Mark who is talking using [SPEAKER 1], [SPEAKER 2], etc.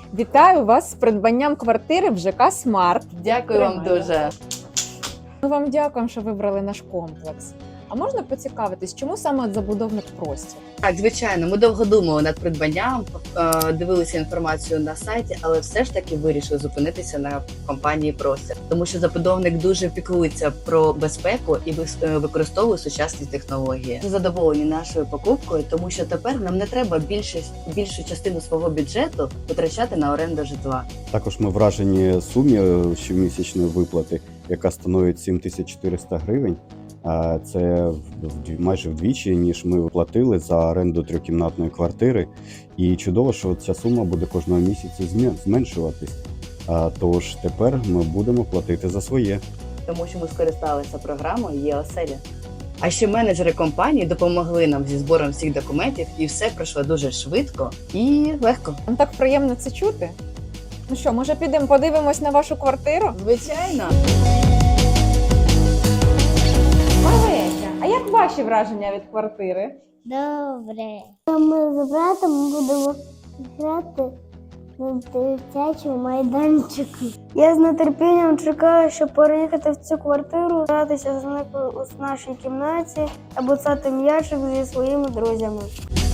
[SPEAKER 1] Вітаю вас з придбанням квартири в ЖК «Смарт».
[SPEAKER 2] Дякую вам
[SPEAKER 1] Тримайте.
[SPEAKER 2] дуже.
[SPEAKER 1] Ми вам дякуємо, що вибрали наш комплекс. А можна поцікавитись, чому саме от забудовник «Простір»?
[SPEAKER 2] Так, звичайно, ми довго думали над придбанням, дивилися інформацію на сайті, але все ж таки вирішили зупинитися на компанії «Простір», тому що забудовник дуже піклується про безпеку і використовує сучасні технології. Ми задоволені нашою покупкою, тому що тепер нам не треба більшу частину свого бюджету витрачати на оренду житла.
[SPEAKER 3] Також ми вражені сумі щомісячної виплати, яка становить 7400 гривень. Це майже вдвічі, ніж ми платили за оренду трьохкімнатної квартири. І чудово, що ця сума буде кожного місяця зменшуватись. Тож тепер ми будемо платити за своє.
[SPEAKER 2] Тому що ми скористалися програмою «Є-оселя». А ще менеджери компанії допомогли нам зі збором всіх документів, і все пройшло дуже швидко і легко.
[SPEAKER 1] Вам так приємно це чути? Ну що, може підемо подивимось на вашу квартиру?
[SPEAKER 2] Звичайно.
[SPEAKER 1] Олеся, а як ваші враження від квартири?
[SPEAKER 4] Добре. Ми з братом будемо грати на дитячому майданчику. Я з нетерпінням чекаю, щоб переїхати в цю квартиру, гратися з нашій кімнаті або цати м'ячик зі своїми друзями.